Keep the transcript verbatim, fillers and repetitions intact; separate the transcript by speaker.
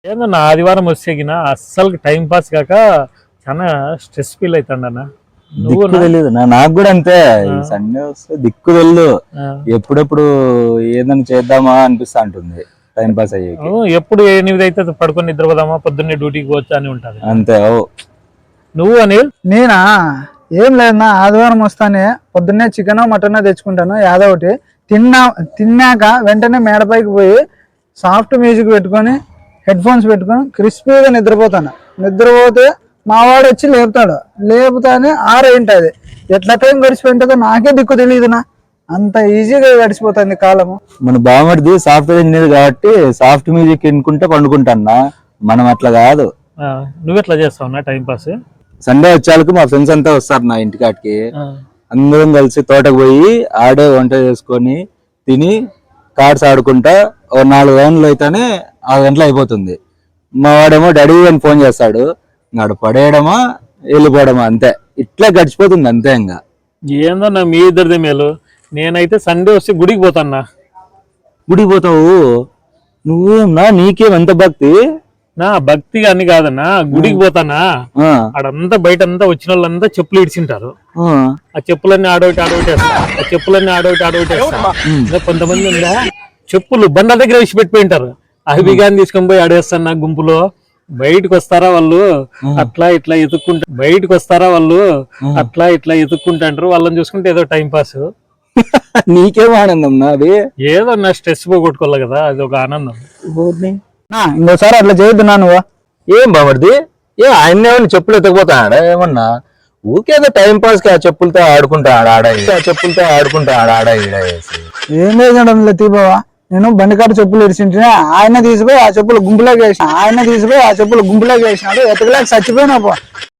Speaker 1: ఏందన్నా ఆదివారం వచ్చేగిన అస్సలు టైం పాస్ కాక చాలా స్ట్రెస్ ఫీల్ అవుతాడన్నా. నువ్వు
Speaker 2: దిక్కు తెలియదు నాకు కూడా అంతే. సండే వస్తే దిక్కు తెలియదు, ఎప్పుడెప్పుడు ఏదైనా చేద్దామా అనిపిస్తా ఉంటుంది టైం పాస్ అయ్యేకి.
Speaker 1: ఎప్పుడు ఎనిమిది అయితే పడుకొని నిద్రపోదామా, పొద్దున్నే డ్యూటీకి పోవచ్చా అని ఉంటది
Speaker 2: అంతే. ఓ
Speaker 1: నువ్వు అనిల్?
Speaker 3: నేనా ఏం లేదన్నా, ఆదివారం వస్తానే పొద్దున్నే చికెన్ మటన్ తెచ్చుకుంటాను ఏదో ఒకటి. తిన్నా తిన్నాక వెంటనే మేడపైకి పోయి సాఫ్ట్ మ్యూజిక్ పెట్టుకొని హెడ్ ఫోన్స్ పెట్టుకొని క్రిస్పీగా నిద్రపోతాను. నిద్రపోతే మా వాడు వచ్చి లేపుతాడు, లేపుతానే ఆరేంటది. ఎట్లా టైం గడిచిపోయింటుందో నాకే దిక్కు తెలియదునా, అంత ఈజీగా గడిచిపోతుంది కాలము.
Speaker 2: మన బావమరిది సాఫ్ట్వేర్ ఇంజనీర్ కాబట్టి సాఫ్ట్ మ్యూజిక్ వినుకుంటే పండుకుంటాన్నా, మనం అట్లా కాదు.
Speaker 1: నువ్వు ఎట్లా చేస్తావు టైం పాస్?
Speaker 2: సండే వచ్చేళ్ళకి మా ఫ్రెండ్స్ అంతా వస్తారు నా ఇంటికాటికి, అందరం కలిసి తోటకు పోయి ఆడే వంట చేసుకొని తిని కార్డ్స్ ఆడుకుంటా ఓ నాలుగు గంటలు అయితేనే ఆరు గంటలు అయిపోతుంది. మా వాడేమో డాడీ అని ఫోన్ చేస్తాడు, నాడు పడేయడమా వెళ్ళిపోవడమా అంతే, ఇట్లా గడిచిపోతుంది అంతే. ఇంకా
Speaker 1: ఏందో నా మీ ఇద్దరిదే మేలు. నేనైతే సండే వస్తే గుడికి పోతాన్నా.
Speaker 2: గుడికి పోతావు నువ్వేమన్నా? నీకేం ఎంత భక్తి?
Speaker 1: నా భక్తి అని కాదన్నా, గుడికి పోతానా ఆడంతా బయట అంతా వచ్చిన వాళ్ళంతా చెప్పులు ఇడిచింటారు. ఆ చెప్పులన్నీ ఆడోటి ఆడోటేస్తా, ఆ చెప్పులన్నీ ఆడోటి ఆడోటేస్తా. కొంతమంది ఉందా చెప్పులు బండల దగ్గర వేసి పెట్టిపోయింటారు, అవి బిగాని తీసుకొని పోయి ఆడేస్తాను. నా గుంపులో బయటకు వస్తారా వాళ్ళు అట్లా ఇట్లా ఎత్తుక్కుంటా, బయటకు వస్తారా వాళ్ళు అట్లా ఇట్లా ఎత్తుక్కుంటాంటారు. వాళ్ళని చూసుకుంటే ఏదో టైం పాస్.
Speaker 2: నీకేం ఆనందం నాది?
Speaker 1: ఏదో నా స్ట్రెస్ పోగొట్టుకోవాలి కదా, అది ఒక ఆనందం.
Speaker 3: ఇంకోసారి అట్లా చేయొద్దున్నా నువ్వు.
Speaker 2: ఏం బామర్ది, ఏ ఆయన ఏమన్నా చెప్పులు ఎత్తకపోతాడా ఏమన్నా? ఊకేదో టైం పాస్ కి ఆ చెప్పులతో ఆడుకుంటా ఆడ ఆ చెప్పులతో ఆడుకుంటా ఆడ ఆడ ఈడ వేసి
Speaker 3: ఏం లేదు తీబావా, నేను బండికాడ చెప్పులు ఇడిచింటే ఆయన తీసిపోయి ఆ చెప్పులు గుంపులోకి వేసిన ఆయన తీసిపోయి ఆ చెప్పులు గుంపులోకి వేసినాడు. ఎతకలేక చచ్చిపోయినా పో.